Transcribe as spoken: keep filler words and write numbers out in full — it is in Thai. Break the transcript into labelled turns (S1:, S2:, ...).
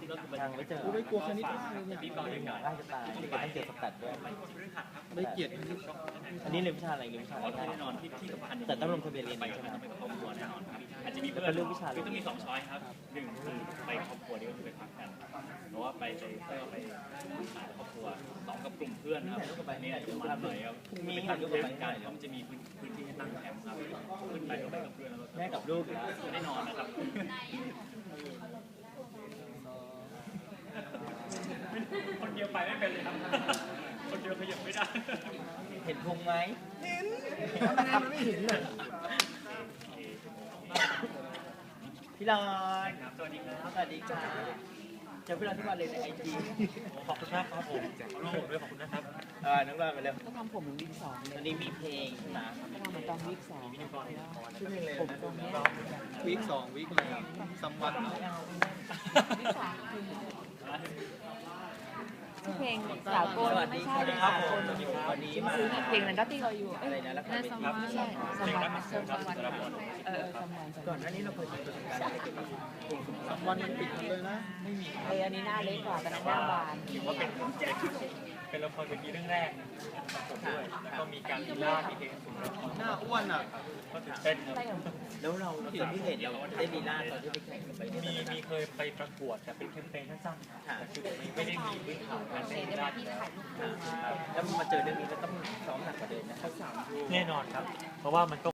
S1: ทางไม่เจอ
S2: กูไม่กลัวคณิตมากเลยเนี่ย
S1: พี่ก่อนเลยก่อนง่ายจะตายเด็กต้องเจอสแตทด้วย
S2: ไม่เกลียดคณิต
S1: อันนี้เรียนวิชาอะไรเรียนวิชาอะไร
S3: แน่นอนที่ที่สำคัญ
S1: แต่ต้องลงทะเบียนเรียนใช่ไหม
S3: ไปครอบครัวแน่นอนครับอาจจะมี
S1: แล้วก็เลือกวิชา
S3: คือต้องมีสองช้อยครับหนึ่งคือไปครอบครัวนี่ก็คือไปพักกันเพราะว่าไปไปเพื่อไปสายครอบครัวสองกับกลุ่มเพื่อนครับนี่อาจจะมันหน่อยครับมีทำด้วยกันเพราะมันจะมีพื้นที่ให้ตั้งแคมป์ครับขึ้นไปก็ไปกับเพื่อนแล้ว
S1: แม่กับลูกอยู่แล้ว
S3: แน่นอนนะครับคนเดียวไปไม่เป็นเลยครับคนเดียวขยับไม่ได้
S1: เห็นพุงไหม
S2: เห็นทำไมมันไม่เห็นเลย
S1: พี่ลอย
S3: ครับสวัสดีครับ
S1: สวัสดีค่ะเจอพี่ลอยที่วันเลยในไอจี
S3: ขอบคุณมากครับผมขอบคุณด้วยขอบคุณนะครับ
S1: เออน้องลอยไปเร็ว
S4: ก็ทำผมเหมือนวิกสองเล
S1: ตอน
S4: ย
S1: นี้มีเพลงนะ
S4: ก็ทำเหมือนตอนวิกสอง
S1: ชื่อเพลงเลย
S4: ผมตรงเนี้ย
S2: วีคสองวีคอะไรซัมวันเนาะ
S4: วิกสองคือเพลงสาวโกนไม่ใช่
S1: สวัสดีค
S4: สา
S1: รับ
S4: ว
S1: ผ
S4: โก
S1: ม
S4: น
S1: วันนี้มา
S4: ซื้ออีกเพลงนั้นก็ที่เราอยู่
S1: อะไรนะแล้วก็เป็นครับ
S4: ไม่ใช่สมวันสมวันเออสมวัน
S1: ก่อนหน้านี้เราเคยมีประสบการณ์อะไรเกี่ยวกับเพลง
S2: ซัมวันมันปิดหมดเลยนะ
S1: ไม่มี
S4: เอออันนี้หน้าเล็กกว่าแต่หน้าบาน
S3: ถือว่าเป็นเป็นละครเวทีเรื่องแรกนะครับผมด้วยแล้วก็มีการลีลามีเพลงสูงแล้ว
S2: หน้าอ้วนอ่ะ
S3: ก็ตื่นเต้นครับ
S4: ใช่เหรอ
S1: แล้วเราตอนที่เห็นเราได้ลีลาตอนที่ไปแข่งกันไปเนี่ย
S3: มีมีเคยไปประกวดแต่เป็นแคมเปญสั้นๆแต่คือไม่ได้มีพื้นฐานการ
S4: เห็
S3: เต้
S4: น
S3: น
S4: ได้
S3: ลี
S4: ไหม
S3: ลา
S4: ที่ถ่ายรูปคู่
S1: แล้วมาเจอเรื่องนี้ก็ต้องซ้อมหนักกว่าเดิมนะ
S3: แน่นอนครับ เพราะว่ามันก็